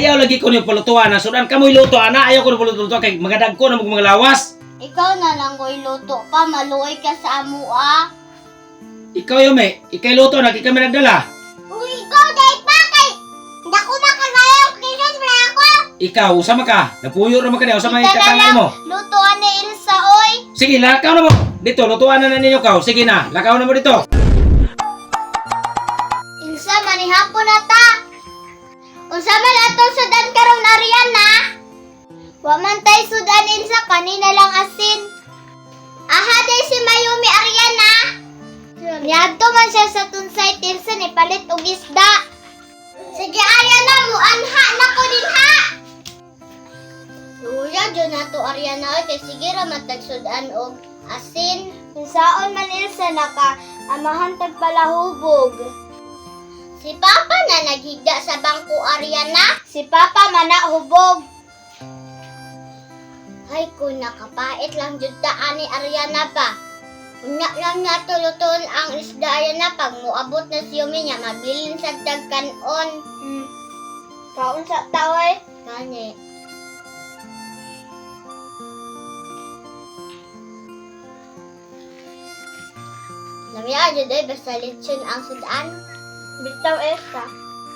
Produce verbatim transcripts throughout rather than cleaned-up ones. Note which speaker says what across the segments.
Speaker 1: Ayaw lagi ko niyo palutuan na sudan kamoy luto ana ayaw ko niyo palutuan kay magadag ko na mag mga lawas.
Speaker 2: Ikaw na lang ko'y luto pa, maluoy ka sa amo ah.
Speaker 1: Ikaw Yome, ikay luto na kay kami nagdala.
Speaker 2: Uy, ikaw day pa kay hindi ako makagayaw kinon na ako.
Speaker 1: Ikaw usama ka. Napuyo ra man ka usama
Speaker 2: Ito na
Speaker 1: katangay
Speaker 2: lang,
Speaker 1: mo.
Speaker 2: lutoan ni Ilsa oy.
Speaker 1: Sige, lakaw na mo. Dito lutuan na na ninyo kaw. Sige na, lakaw na mo dito.
Speaker 2: Ilsa, manihapon na ta. Unsa man atong sudan karon Ariana? Wa man tay sudan Ilsa, kanina lang asin. Aha day si Mayumi Ariana. Niadto man siya sa tunsay Ilsa ni palit og isda. Sige Ariana, muanha na ko din ha. Luya dyan na to Ariana oy kay sige ra matag sudan og asin. Unsaon man Ilsa naka amahan tag palahubog. Si Papa na naghigda sa bangko Ariana. Si Papa mana hubog. Ay kung nakapait lang jud ta ani Ariana pa. Unya lang nga tuluton ang isda Ariana pag muabot na si Yumi niya mabilin sa dagkanon. Hmm. Kaon sa taway. Kani. Lamia jud ay basta lechon ang sudan. Bitaw esta.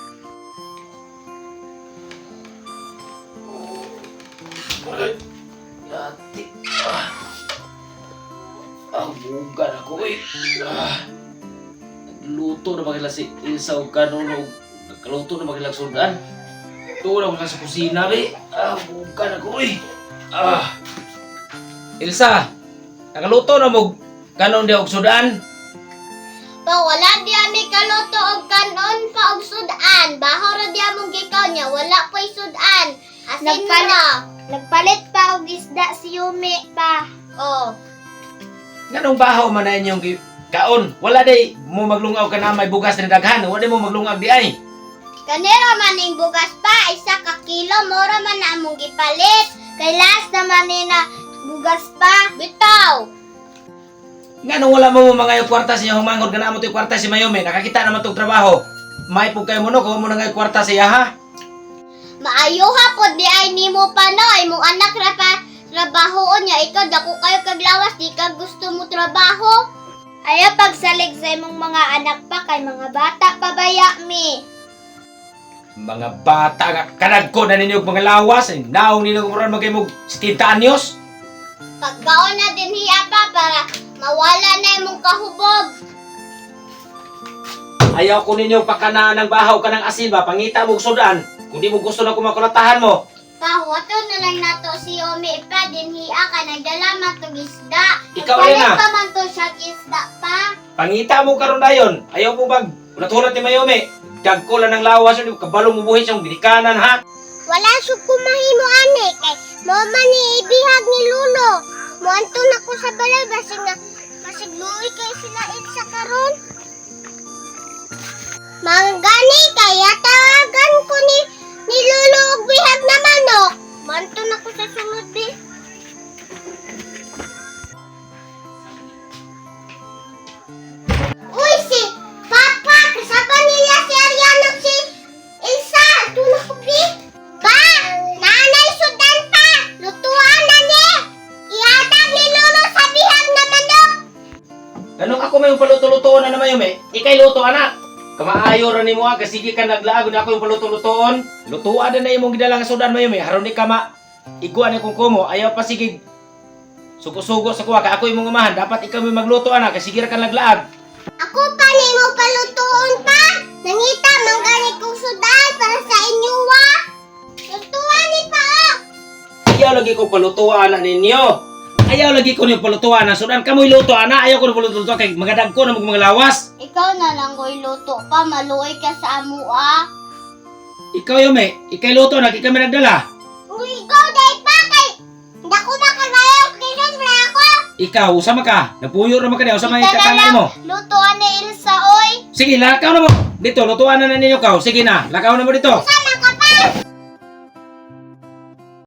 Speaker 1: Dati. Ah. Ang bugan ako eh. Ah. Nagluto na magila si Ilsa o kanon o nagkaluto na magila sudan. Tuwa na sa kusina be. Ah, bugan ako eh. Ah. Ilsa, nakaluto na mo kanon di og sudan.
Speaker 2: Pa wala di ami kaluto og kanon pa og sudan. Baho ra di among gikaw niya, wala pa'y sudan. Asin
Speaker 3: Nagpalit-
Speaker 2: mo.
Speaker 3: Nagpalit pa og isda si Yumi pa.
Speaker 2: Oh.
Speaker 1: Ganong bahaw man na inyong gi- kaon. Wala day mo maglungaw ka na may bugas na daghan. Wala day mo maglungag di ay.
Speaker 2: Kanira man ning bugas pa, isa ka kilo, mora man na among gipalit. Kay last naman ni na bugas pa. Bitaw.
Speaker 1: Nga nung wala mo mga yung kwarta siya humangod ka na mo ito yung kwarta si Mayome. Nakakita naman itong trabaho. May po kayo mo no, kung mo na nga yung kwarta siya ha.
Speaker 2: Maayo ha po di ay nimo pa no, ay mong anak ra pa trabahoon niya. Ikaw dako kayo kaglawas, di ka gusto mo trabaho.
Speaker 3: Ayaw pagsalig sa imong mga anak pa kay mga bata pa baya mi.
Speaker 1: Mga bata nga, kanag ko na ninyo yung mga lawas. Eh, naong ninyo kung ron magkayo mo setenta anyos.
Speaker 2: Pagkaon na din hiya pa para mawala na imong kahubog.
Speaker 1: Ayaw ko ninyo pakanaan ng bahaw ka ng asin ba, pangita mo sudan. Kung di mo gusto na kumakulatahan mo.
Speaker 2: Pahuwato na lang nato si Omi pa din hiya ka nagdala man tong isda.
Speaker 1: Ikaw
Speaker 2: Nagpalit
Speaker 1: rin, ah.
Speaker 2: pa man to siya isda pa.
Speaker 1: Pangita mo karon dayon. Ayaw mo bag, ulat-ulat ni Mayome. Dagko lang ng lawas, yun, kabalong mo buhay siyang binikanan ha.
Speaker 2: Wala siyang kumahimo ane kay mo man ni ibihag ni Lulo. Mo anto na ko sa balay basig nga basig luoy kay sila sa karon. Manggani kaya tawagan ko ni ni Lulo og bihag na manok. Mo anto na ko sa sunod bi. Uy si Papa, kasama nila si Ariana si Elsa. Tulog ko bi. Pa! Nanay sudan pa! Lutuan na ni! Ihatag ni Lolo sa bihag na manok!
Speaker 1: Ganun ako may paluto-lutoon na naman Mayome. Ikay luto anak. Kamaayo ra nimo aga sige ka naglaag na ako yung paluto-lutoon. Lutuan na na imong gidalang sudan Mayome. Haron ni ka ma iguan ni kung kumo ayaw pa sige sugo-sugo sa kuha ka ako imong umahan dapat ikaw may magluto anak kasi sige ra ka naglaag.
Speaker 2: Ako pa ni mo palutuon pa! Nangita manggani kong sudan para sa inyo wa! Lutuan ni pa oh!
Speaker 1: Ayaw lagi ko palutuan na ninyo. Ayaw lagi ko niyo palutuan na sudan kamoy luto ana ayaw ko na paluto kay magadag ko na mag mga lawas.
Speaker 2: Ikaw na lang ko'y luto pa, maluoy ka sa amo ah!
Speaker 1: Ikaw Yome, ikay luto na kay kami nagdala.
Speaker 2: Uy, ikaw day pa kay! Hindi ako makagayaw kinon na ako!
Speaker 1: Ikaw usama ka. Napuyo ra man ka na usama
Speaker 2: Ito
Speaker 1: yung
Speaker 2: na
Speaker 1: katangay
Speaker 2: lang,
Speaker 1: mo.
Speaker 2: lutuan ni Ilsa oy!
Speaker 1: Sige, lakaw na mo. Dito, lutuan na na ninyo kaw. Sige na, lakaw na mo dito.
Speaker 2: Sa